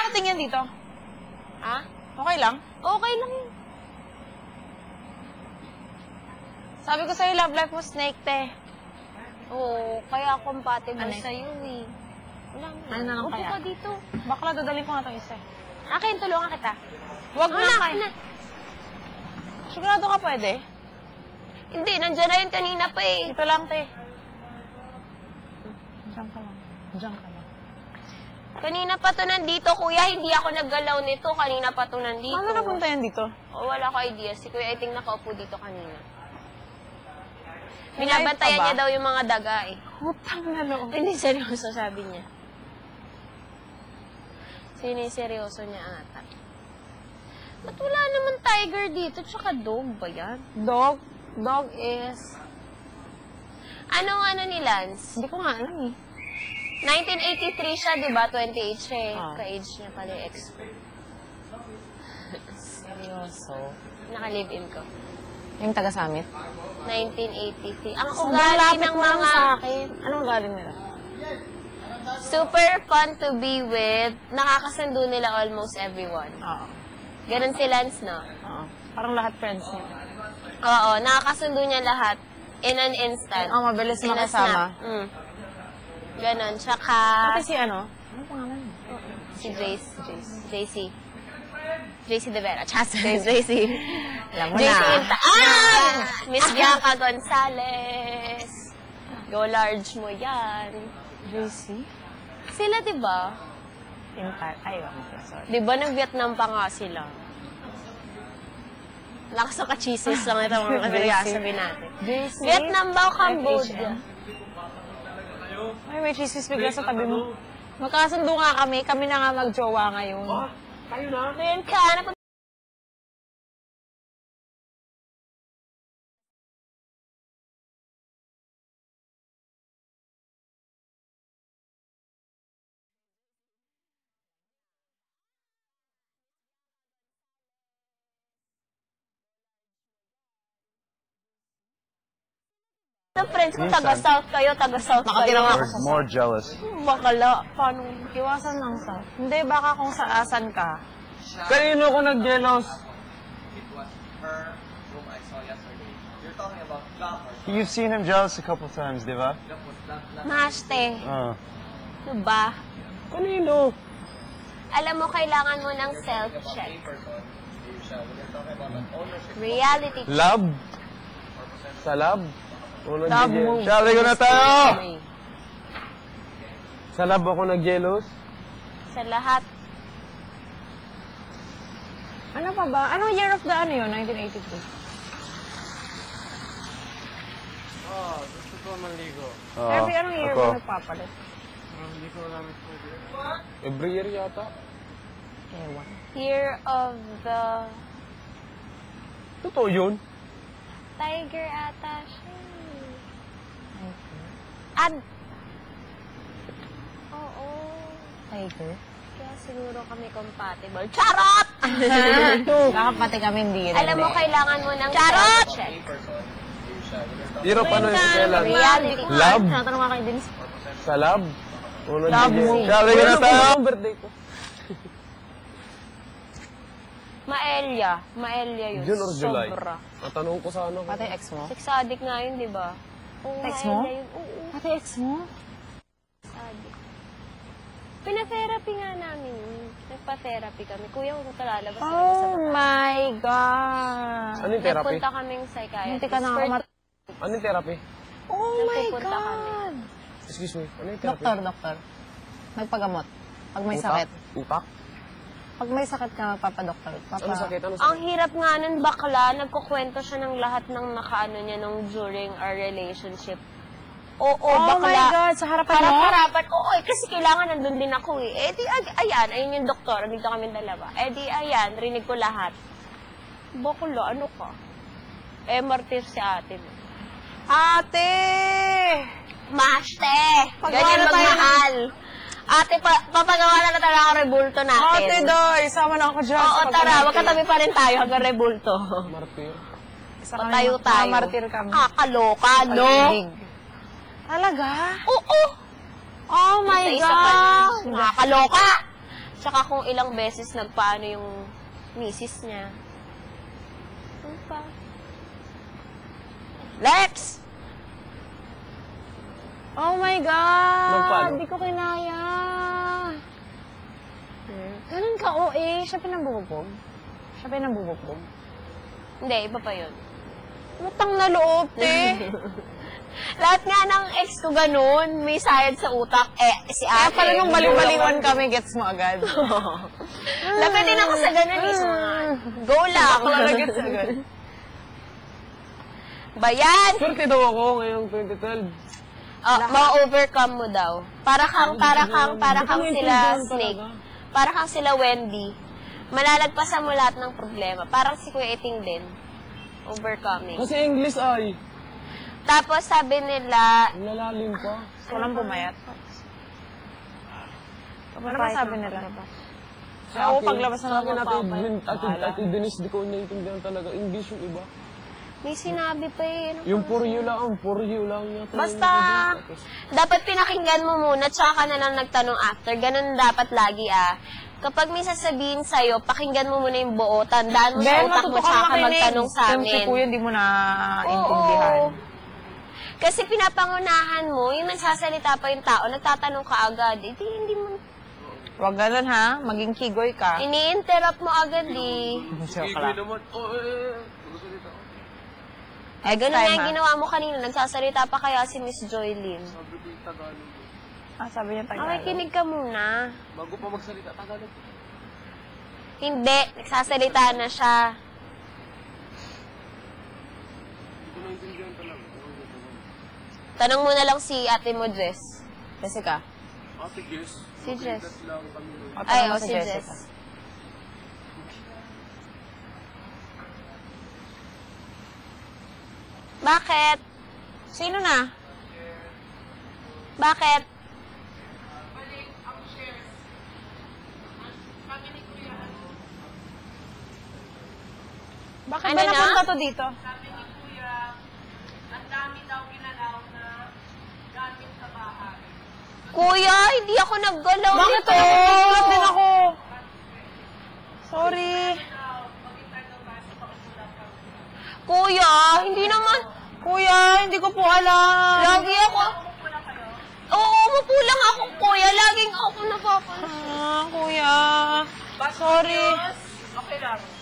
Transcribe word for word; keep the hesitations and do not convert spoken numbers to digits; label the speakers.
Speaker 1: tingin dito?
Speaker 2: Ha?
Speaker 1: Okay lang?
Speaker 2: Okay lang yun.
Speaker 1: Sabi ko sa'yo, love life mo snake, te.
Speaker 2: Oo, kaya compatible
Speaker 1: Ano?
Speaker 2: sa'yo eh. Wala na.
Speaker 1: Ano na lang
Speaker 2: Upo
Speaker 1: kaya?
Speaker 2: ka dito.
Speaker 1: Bakla, dadalhin ko nga itong isa.
Speaker 2: Akin, tulungan kita.
Speaker 1: Huwag
Speaker 2: Wala,
Speaker 1: na kayo.
Speaker 2: na.
Speaker 1: Sigurado ka pwede?
Speaker 2: Hindi, nandiyan na yun kanina pa eh.
Speaker 1: Dito lang, te. Diyan ka lang. Diyan ka lang.
Speaker 2: Kanina pa to nandito, kuya. Hindi ako naggalaw nito. Kanina pa to nandito.
Speaker 1: Paano napunta yan dito?
Speaker 2: O, wala ko idea. Si Kuya Iting nakaupo dito kanina.
Speaker 1: May
Speaker 2: Binabantayan
Speaker 1: live pa ba?
Speaker 2: niya daw yung mga daga eh.
Speaker 1: Utang na loob.
Speaker 2: Hindi, seryoso, sabi niya. Siniseryoso niya ata. Ba't wala naman tiger dito? Tsaka dog ba yan?
Speaker 1: Dog? Dog is...
Speaker 2: Anong ano ni Lance?
Speaker 1: Hindi ko nga alam eh.
Speaker 2: nineteen eighty-three siya, di ba? twenty-eight siya eh.
Speaker 1: Ah.
Speaker 2: Ka-age niya pala yung ex.
Speaker 1: Seryoso?
Speaker 2: Naka-live-in ko.
Speaker 1: Yung taga-summit?
Speaker 2: nineteen eighty-three. Ang
Speaker 1: So,
Speaker 2: ugali
Speaker 1: malapit
Speaker 2: ng
Speaker 1: mo lang
Speaker 2: mga...
Speaker 1: sa akin. Anong ugali nila?
Speaker 2: Super fun to be with. Nakakasundo nila almost everyone.
Speaker 1: Oo.
Speaker 2: Ganon si Lance, no?
Speaker 1: Oo. Parang lahat friends niya.
Speaker 2: Oo, nakakasundo niya lahat in an instant.
Speaker 1: Oo, mabilis
Speaker 2: In a
Speaker 1: makasama.
Speaker 2: snap. Mm. Ganon. Tsaka...
Speaker 1: Pati si ano? Ano pangalan mo?
Speaker 2: Si Jace. Jace. J C. J C De Vera. Chas. J C.
Speaker 1: Alam mo
Speaker 2: J C
Speaker 1: na.
Speaker 2: Inta. Ah! Miss Bianca Gonzalez. Go large mo yan.
Speaker 1: J C?
Speaker 2: Sila, di ba?
Speaker 1: Intar. Ay, wag mo. Sorry.
Speaker 2: Di ba nag-Vietnam pa nga sila? Lakas ng ka-cheeses lang ito mga sabihin natin.
Speaker 1: J C?
Speaker 2: Vietnam ba o Cambodia?
Speaker 1: Ay, may chismis bigla sa tabi mo. Magkasundo nga kami. Kami na nga mag-jowa ngayon.
Speaker 3: Oh, tayo na.
Speaker 2: Ngayon ka, napag- friends ko,
Speaker 3: Minsan.
Speaker 2: taga-South kayo, taga-South
Speaker 1: Nakatira
Speaker 2: kayo.
Speaker 1: nga
Speaker 3: We're more jealous.
Speaker 2: Bakala. Paano?
Speaker 1: Iwasan lang sa... Hindi, baka kung saasan ka.
Speaker 3: Kanino ko nag-jealous? You've seen him jealous a couple times, di ba?
Speaker 2: Maste.
Speaker 3: Uh.
Speaker 2: Diba?
Speaker 3: Kanino?
Speaker 2: Alam mo, kailangan mo ng self-check. Reality check.
Speaker 3: Lab? Sa lab? Ako
Speaker 1: Lab
Speaker 3: nag-jealous.
Speaker 1: mo.
Speaker 3: Shari ko na tayo! Sa lab ako nag-jealous?
Speaker 2: Sa lahat.
Speaker 1: Ano pa ba? Anong year of the ano yun? nineteen eighty-two?
Speaker 3: Oh, gusto ko manligo.
Speaker 1: Every anong year
Speaker 3: ako.
Speaker 1: mo nagpapalit?
Speaker 3: Hindi ko alam. Every year yata.
Speaker 1: Ewan.
Speaker 2: Year of the
Speaker 3: Totoo yun?
Speaker 2: tiger ata siya. Ad. Oo.
Speaker 1: Tiger?
Speaker 2: Kaya siguro kami compatible. Charot!
Speaker 1: Baka pati kami hindi rin.
Speaker 2: Alam mo, kailangan mo ng self-check.
Speaker 3: Pero paano yung kailan?
Speaker 2: Reality.
Speaker 3: Lab?
Speaker 1: Tinatanong nga kayo din.
Speaker 3: Sa lab? Ako
Speaker 1: Lab
Speaker 3: nag-jealous.
Speaker 1: mo.
Speaker 3: Shari ko na tayo! Ang birthday ko.
Speaker 2: Maelia. Maelia yun.
Speaker 3: June or July?
Speaker 2: Sobra.
Speaker 3: Natanong ko sa ano.
Speaker 1: Pati ex mo?
Speaker 2: Sex addict nga yun, di ba? Oo,
Speaker 1: Ex mo?
Speaker 2: Maelia yun. Oo,
Speaker 1: Pati ex mo?
Speaker 2: sex addict. Pina-therapy nga namin. Nagpa-therapy kami. Kuya, huwag ka lalabas.
Speaker 1: Oh my God!
Speaker 3: Ano yung therapy?
Speaker 2: Nagpunta kaming psychiatrist.
Speaker 1: Hindi ka na ako mat...
Speaker 3: Ano yung therapy?
Speaker 1: Oh my
Speaker 2: Nagpupunta
Speaker 1: God!
Speaker 3: Excuse me. Ano yung therapy?
Speaker 1: Doktor, doktor. Magpagamot. Pag may
Speaker 3: Utak?
Speaker 1: sakit.
Speaker 3: Utak?
Speaker 1: Pag may sakit ka, magpapadoktor. Papa...
Speaker 3: Ano sakit? Ano
Speaker 2: Ang
Speaker 3: sakit?
Speaker 2: hirap nga nun, bakla. Nagkukwento siya ng lahat ng nakaano niya nung during our relationship. Oo,
Speaker 1: Oh
Speaker 2: bakla.
Speaker 1: my God! Sa harapan mo?
Speaker 2: Harap-harapan. Oo, eh, kasi kailangan nandun din ako eh. Eh di, ay- ayan, ayun yung doktor. Nandito kami dalawa. Eh di, ayan, rinig ko lahat. Bakla, ano ka? Eh, martir si ate mo.
Speaker 1: Ate!
Speaker 2: Maste!
Speaker 1: Pagawa
Speaker 2: Ganyan
Speaker 1: na tayo.
Speaker 2: magmahal. Ate, pa papagawa na na talaga ang rebulto natin.
Speaker 1: Ate, doy! Sama na ako dyan.
Speaker 2: Oo,
Speaker 1: sa
Speaker 2: tara.
Speaker 1: pagmamahal.
Speaker 2: Magkatabi pa rin tayo hanggang rebulto.
Speaker 3: Martir?
Speaker 1: Isa kami,
Speaker 2: Patayo
Speaker 1: mga
Speaker 2: tayo.
Speaker 1: martir kami.
Speaker 2: Ah, kaloka, no?
Speaker 1: Paligid. Talaga?
Speaker 2: Oo.
Speaker 1: Oh my
Speaker 2: Isa-isa pa
Speaker 1: God!
Speaker 2: rin. Nakakaloka. Tsaka kung ilang beses nagpaano yung misis niya. Ano pa? Lex!
Speaker 1: Oh my God!
Speaker 3: Nagpaano?
Speaker 1: Hindi ko kinaya. Ganun ka, O A. Siya pinambubugbog. Siya pinambubugbog.
Speaker 2: Hindi, iba pa yun.
Speaker 1: Utang na loob, te.
Speaker 2: Lahat nga ng ex ko ganun, may sayad sa utak. Eh, si
Speaker 1: Kaya
Speaker 2: ate.
Speaker 1: pala nung baliw-baliwan kami, gets mo agad.
Speaker 2: Lapitin ako sa ganun, is mga go lang.
Speaker 1: Bakla gets agad.
Speaker 2: Bayan!
Speaker 3: Swerte daw ako ngayong twenty twelve.
Speaker 2: Oh, ma-overcome mo daw. Para kang, para kang, para kang
Speaker 3: Hindi ko
Speaker 2: sila
Speaker 3: maintindihan
Speaker 2: Snake.
Speaker 3: talaga.
Speaker 2: Para kang sila Wendy. Malalagpasan mo lahat ng problema. Parang si Kuya Iting din. Overcoming.
Speaker 3: Kasi English ay.
Speaker 2: Tapos sabi nila,
Speaker 3: Ang lalalim pa.
Speaker 1: Walang pumayat. Ano ba sabi nila?
Speaker 3: Sa
Speaker 1: Oo,
Speaker 3: akin-
Speaker 1: paglabas na
Speaker 3: sa akin,
Speaker 1: ng
Speaker 3: Ate
Speaker 1: papay.
Speaker 3: Edwin, Ate,
Speaker 1: Bahala.
Speaker 3: Ate Denise, di ko naiintindihan talaga. English yung iba.
Speaker 2: may sinabi pa eh. Ano
Speaker 3: Yung
Speaker 2: pa?
Speaker 3: for you lang, for you lang yata.
Speaker 1: Basta,
Speaker 2: Dapat pinakinggan mo muna, tsaka ka na lang nagtanong after. Ganun dapat lagi ah. Kapag may sasabihin sa'yo, pakinggan mo muna yung buo, tandaan mo sa
Speaker 1: Ben,
Speaker 2: utak mo,
Speaker 1: matuto ka
Speaker 2: tsaka ka
Speaker 1: makinig.
Speaker 2: magtanong sa
Speaker 1: Yung Si
Speaker 2: amin.
Speaker 1: Kuya, di mo na intindihan.
Speaker 2: Oo. Kasi pinapangunahan mo, yung nagsasalita pa yung tao, nagtatanong ka agad. Hindi, hindi mo,
Speaker 1: Huwag ganun, ha? Maging kigoy ka.
Speaker 2: ini-interrupt mo agad eh.
Speaker 1: Joke lang.
Speaker 3: naman. Oh, eh, eh.
Speaker 2: Eh, ganun
Speaker 1: Time,
Speaker 2: nga yung
Speaker 1: ha?
Speaker 2: ginawa mo kanina. Nagsasalita pa kaya si Miss Joylyn.
Speaker 3: Sabi ko yung Tagalog.
Speaker 1: Ah, sabi niya Tagalog.
Speaker 2: Okay, kinig ka muna.
Speaker 3: Bago pa magsalita, Tagalog.
Speaker 2: Hindi, nagsasalita na siya.
Speaker 3: Hindi ko naiintindihan talaga.
Speaker 2: Tanong mo na lang si ate mo, Jess.
Speaker 1: Jessica.
Speaker 3: Ate Jess.
Speaker 2: Si Jess.
Speaker 3: lang kami nun.
Speaker 1: O,
Speaker 2: Ay,
Speaker 1: tanong mo
Speaker 2: oh, si Jess. Bakit?
Speaker 1: Sino na?
Speaker 2: Bakit?
Speaker 1: Bakit
Speaker 2: Ano
Speaker 1: ba
Speaker 2: na?
Speaker 1: napunta to dito?
Speaker 2: Kuya, hindi ako naggalaw
Speaker 1: Bakit
Speaker 2: nito.
Speaker 1: to? Nagulat din ako. Sorry.
Speaker 2: Kuya, hindi naman.
Speaker 1: Kuya, hindi ko po alam.
Speaker 2: Lagi ako. Oo, mapulang ako, kuya. Laging ako napapala.
Speaker 1: Ah, kuya. Sorry.
Speaker 4: Okay lang.